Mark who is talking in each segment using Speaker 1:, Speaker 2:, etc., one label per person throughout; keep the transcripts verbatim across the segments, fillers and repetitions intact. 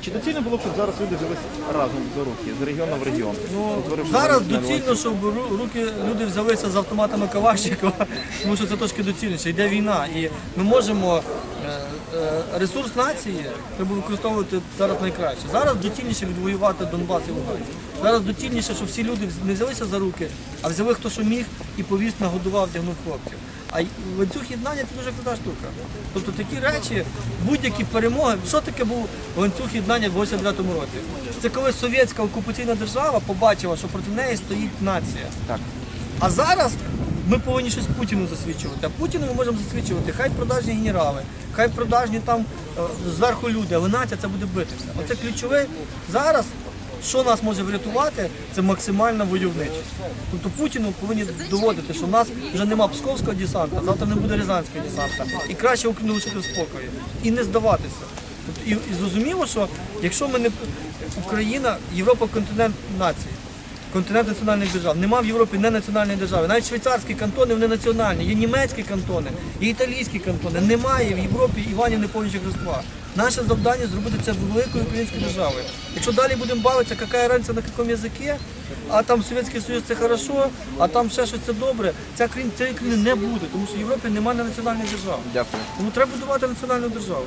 Speaker 1: Чи доцільно було б, щоб зараз люди взялися разом за руки, з регіону в регіон?
Speaker 2: Ну,
Speaker 1: Утворивши
Speaker 2: зараз
Speaker 1: національну
Speaker 2: доцільно, щоб ру- руки люди взялися з автоматами Калашникова, тому що це трошки доцільніше. Йде війна, і ми можемо е, е, ресурс нації треба використовувати зараз найкраще. Зараз доцільніше відвоювати Донбас і Луганськ. Зараз доцільніше, щоб всі люди не взялися за руки, а взяли хто що міг і повіз, нагодував, вдягнув хлопців. А й- ланцюг єднання це дуже крута штука. Тобто такі речі, будь-які перемоги. Що таке був ланцюг єднання в вісімдесят дев'ятому році? Це коли совєтська окупаційна держава побачила, що проти неї стоїть нація.
Speaker 1: Так.
Speaker 2: А зараз ми повинні щось Путіну засвідчувати. А Путіну ми можемо засвідчувати. Хай продажні генерали, хай продажні там е, зверху люди, але нація це буде битися. Оце ключове зараз. Що нас може врятувати, це максимальна войовничість. Тобто Путіну повинні доводити, що в нас вже нема псковського десанта, завтра не буде рязанського десанта. І краще Україну лишити в спокої. І не здаватися. Тобто, і, і зрозуміло, що якщо ми не Україна, Європа континент націй, континент національних держав. Нема в Європі не національної держави. Навіть швейцарські кантони вони національні, є німецькі кантони, є італійські кантони. Немає в Європі Іванів Неповнічих Рождества. Наше завдання зробити це великою українською державою. Якщо далі будемо бавитися, яка різниця на якому язикі, а там Совєтський Союз це хорошо, а там ще щось це добре, ця країна, цієї країни не буде, тому що в Європі немає національної держави.
Speaker 1: Дякую.
Speaker 2: Тому треба будувати національну державу.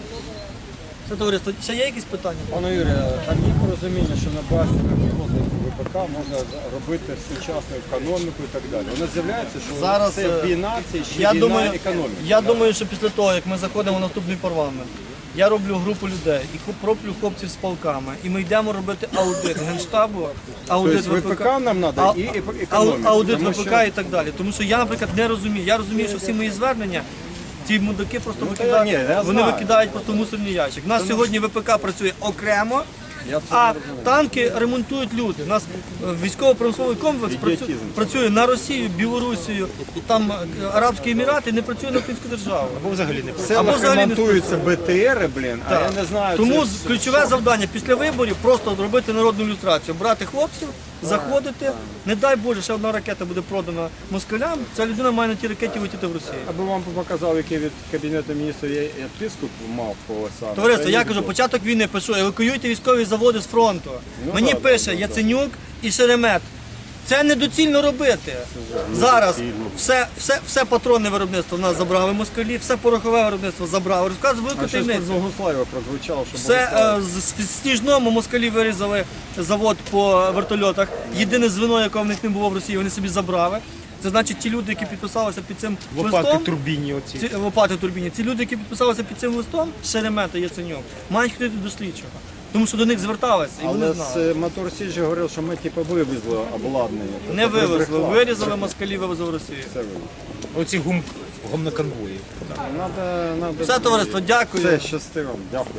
Speaker 2: Це товариство. Ще є якісь питання?
Speaker 3: Пане Юрію, там є порозуміння, що на базі розвитку ВПК можна робити сучасну економіку і так далі. Воно з'являється, що
Speaker 2: Зараз,
Speaker 3: це війна, це ще
Speaker 2: Я
Speaker 3: війна
Speaker 2: думаю,
Speaker 3: економіки.
Speaker 2: я думаю, що після того, як ми заходимо в наступний парламент, я роблю групу людей і хоп- роблю хлопців з полками, і ми йдемо робити аудит Генштабу, аудит
Speaker 3: Тобто ВПК нам треба
Speaker 2: а-
Speaker 3: і
Speaker 2: а-
Speaker 3: економіку.
Speaker 2: аудит
Speaker 3: тому
Speaker 2: ВПК
Speaker 3: що-
Speaker 2: і так далі. Тому що я, наприклад, не розумію. Я розумію, що всі мої звернення, ці мудаки просто
Speaker 3: Ну, та я- ні,
Speaker 2: викидають,
Speaker 3: я
Speaker 2: вони
Speaker 3: знаю.
Speaker 2: викидають просто в мусорний ящик. У нас сьогодні ВПК працює окремо.
Speaker 3: Я це
Speaker 2: А
Speaker 3: не розумію.
Speaker 2: танки ремонтують люди. У нас е, військово-промисловий комплекс працює,
Speaker 3: Ідіотизм.
Speaker 2: працює на Росію, Білорусію, і там е, Арабські Емірати, не працює на українську державу.
Speaker 1: Або взагалі не
Speaker 3: В
Speaker 2: Або
Speaker 3: селах
Speaker 2: взагалі не
Speaker 3: ремонтуються БТРи, блін, а я не знаю.
Speaker 2: Тому
Speaker 3: це-
Speaker 2: з- ключове завдання після виборів просто зробити народну ілюстрацію, брати хлопців, заходити. Не дай Боже, ще одна ракета буде продана москалям. Ця людина має на тій ракеті летіти в Росію.
Speaker 3: Аби вам показав, який від Кабінету міністрів я відписку мав по саме.
Speaker 2: Товариство,
Speaker 3: Це
Speaker 2: я
Speaker 3: не
Speaker 2: кажу,
Speaker 3: було.
Speaker 2: початок війни пишу, евакуюйте військові заводи з фронту.
Speaker 3: Ну,
Speaker 2: Мені
Speaker 3: так,
Speaker 2: пише
Speaker 3: так,
Speaker 2: Яценюк і Шеремет. Це недоцільно робити. Зараз все, все, все патронне виробництво в нас забрали москалі, все порохове виробництво забрали. Розказую велику
Speaker 3: А щось
Speaker 2: таємницю.
Speaker 3: з Богослав'я прозвучало, що
Speaker 2: Все
Speaker 3: Богослав-
Speaker 2: е, з з Сніжному москалі вирізали завод по вертольотах. Єдине звено, якого в них не було в Росії, вони собі забрали. Це значить, ті люди, які підписалися під цим
Speaker 1: лопати
Speaker 2: листом,
Speaker 1: турбіні оці.
Speaker 2: ці, лопати турбіні, ці люди, які підписалися під цим листом, Шеремета, Яценюк, мають ходити до слідчого. Тому що до них зверталися і вони
Speaker 3: Але
Speaker 2: знали.
Speaker 3: з Мотор Сіджі говорив, що ми типу вивезли обладнання.
Speaker 2: Не
Speaker 3: Тобто
Speaker 2: вивезли,
Speaker 3: брехла.
Speaker 2: вирізали москалі, вивезли в Росію.
Speaker 3: Все вивезли.
Speaker 1: Оці гум, гумноконвої.
Speaker 3: Надо, надо...
Speaker 2: Все, товариство, дякую.
Speaker 3: Все, щасти вам. Дякую.